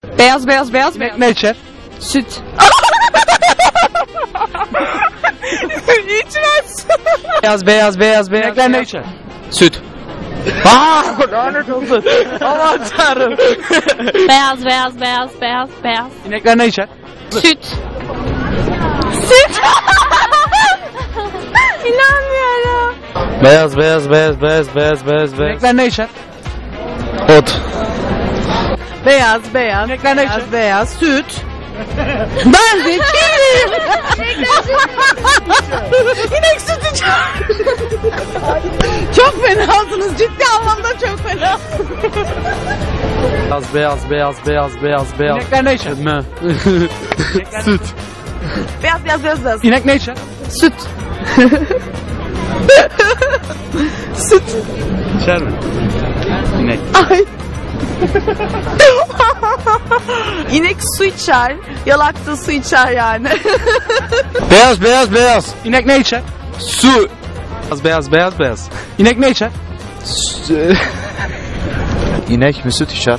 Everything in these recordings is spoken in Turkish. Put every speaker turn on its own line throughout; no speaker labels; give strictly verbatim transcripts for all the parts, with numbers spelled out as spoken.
Beyaz beyaz beyaz
İnek ne içer?
süt. İçmez.
Beyaz beyaz beyaz beyaz. İnekler ne içer?
Süt.
Aaa! Lanet olsun. Aman tanrım.
Beyaz beyaz beyaz beyaz beyaz.
İnekler ne içer?
Süt.
Süt. İnanmıyorum.
Beyaz beyaz beyaz beyaz beyaz beyaz beyaz.
İnekler ne içer?
Ot.
Beyaz beyaz.
İnekler ne içer?
Beyaz beyaz süt. Ben zekiyim. İnek süt içer. Çok fenasınız. Ciddi anlamda çok fena.
Beyaz beyaz beyaz beyaz beyaz beyaz.
İnekler ne içer?
Ne? Süt.
Beyaz beyaz beyaz beyaz.
İnek ne içer?
Süt. Süt.
İçer mi? İnek.
Ay. İnek su içer. Yalak da su içer yani.
Beyaz beyaz beyaz.
İnek ne içer?
Su. Beyaz beyaz beyaz beyaz.
İnek ne içer?
İnek mi süt içer?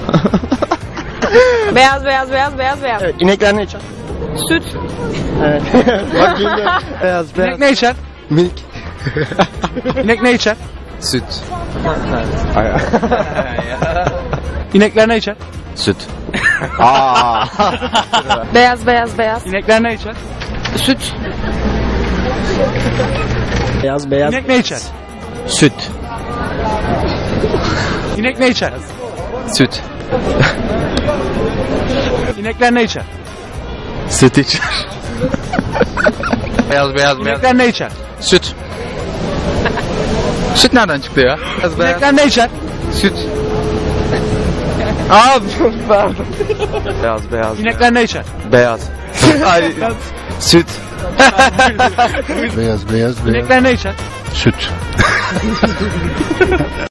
Beyaz beyaz beyaz beyaz beyaz.
Evet, inekler ne içer?
Süt.
Evet. Bak bildi. Beyaz
İnek
beyaz.
ne içer?
Milk.
İnek ne içer?
Süt.
İnekler ne içer?
Süt.
Aa.
Beyaz beyaz beyaz.
İnekler ne içer?
Süt.
Beyaz beyaz.
İnek ne içer?
Süt.
İnek ne içer?
Süt.
İnekler ne içer?
Süt içer. Beyaz beyaz beyaz.
İnekler ne içer?
Süt. Süt nereden çıktı ya? Beyaz beyaz.
İnekler ne içer?
Süt.
Abi
Beyaz beyaz.
İnekler ne içer?
Beyaz. Ay. Süt.
Beyaz beyaz beyaz.
İnekler ne içer?
Süt.